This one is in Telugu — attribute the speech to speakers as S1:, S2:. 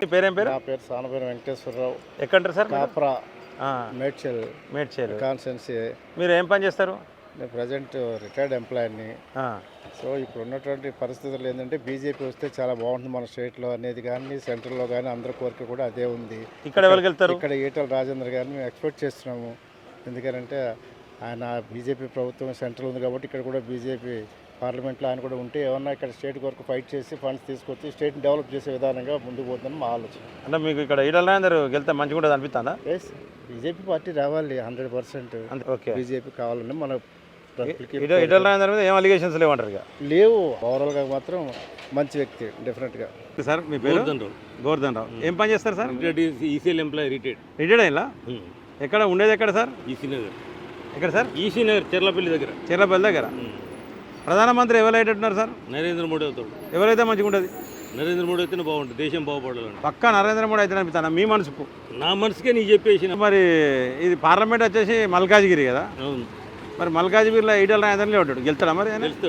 S1: మీ పేరేం పేరు?
S2: నా పేరు సానపేరు వెంకటేశ్వరరావు.
S1: ఎక్కడంటారు సార్?
S2: కాప్రా
S1: ఆ,
S2: మేడ్చల్
S1: మేడ్చేలు.
S2: కాన్స్టెన్సీ.
S1: మీరు ఏం పని చేస్తారు?
S2: నేను ప్రజెంట్ రిటైర్డ్ ఎంప్లాయీని.
S1: ఆ,
S2: సో ఇప్పుడు ఉన్నటువంటి పరిస్థితులు ఏంటంటే బీజేపీ వస్తే చాలా బాగుంటుంది మన స్టేట్లో అనేది కానీ సెంట్రల్లో కానీ అందరి కోరిక కూడా అదే ఉంది.
S1: ఇక్కడ ఎవరికి వెళ్తారు?
S2: ఇక్కడ ఈటల రాజేంద్ర గారిని మేము ఎక్స్పెక్ట్ చేస్తున్నాము. ఎందుకంటే ఆయన బీజేపీ ప్రభుత్వం సెంట్రల్ ఉంది కాబట్టి ఇక్కడ కూడా బీజేపీ పార్లమెంట్లో ఆయన కూడా ఉంటే ఏమన్నా ఇక్కడ స్టేట్ వరకు ఫైట్ చేసి ఫండ్స్ తీసుకొచ్చి స్టేట్ని డెవలప్ చేసే విధానంగా ముందుకు పోతుందని మా ఆలోచన.
S1: అంటే మీకు ఇక్కడ ఈటల రాజేందర్ వెళ్తే మంచిగా ఉంటుంది అనిపిస్తుందా?
S2: ఎస్, బీజేపీ పార్టీ రావాలి 100%.
S1: అంతే. ఓకే.
S2: బీజేపీ కావాలని మన
S1: ఈటల రాజేందర్ మీద ఏం అలిగేషన్స్ లేవంటారు ఇక?
S2: లేవు. ఓవరాల్గా మాత్రం మంచి వ్యక్తి డెఫినెట్గా.
S1: సార్ మీ పేరు? గోవర్ధన్ రావు. ఏం పని చేస్తారు సార్?
S3: ఈసీఎల్ ఎంప్లాయీ
S1: రిటైర్డ్ అయిందా? ఎక్కడ ఉండేది? ఎక్కడ సార్?
S3: ఈసీ నగర్.
S1: ఎక్కడ సార్?
S3: ఈసీ నగర్ చెర్లపల్లి దగ్గర.
S1: చీర్లపల్లి దగ్గర. ప్రధానమంత్రి ఎవరు అయ్యేటట్టున్నారు సార్?
S3: నరేంద్ర మోడీ అవుతాడు.
S1: ఎవరైతే మంచిగా ఉంటుంది?
S3: నరేంద్ర మోడీ అయితేనే బాగుంటుంది, దేశం బాగుపడాలండి.
S1: పక్కా నరేంద్ర మోడీ అయితే అనిపిస్తాను మీ మనసుకు?
S3: నా మనసుకే నీ చెప్పేసిన.
S1: మరి ఇది పార్లమెంట్ వచ్చేసి మల్కాజ్గిరి కదా,
S3: అవును,
S1: మరి మల్కాజ్గిరిలో ఈటల రాజేందర్లే ఉంటాడు, గెలుస్తాడా మరి?
S3: తెలుస్తాడు.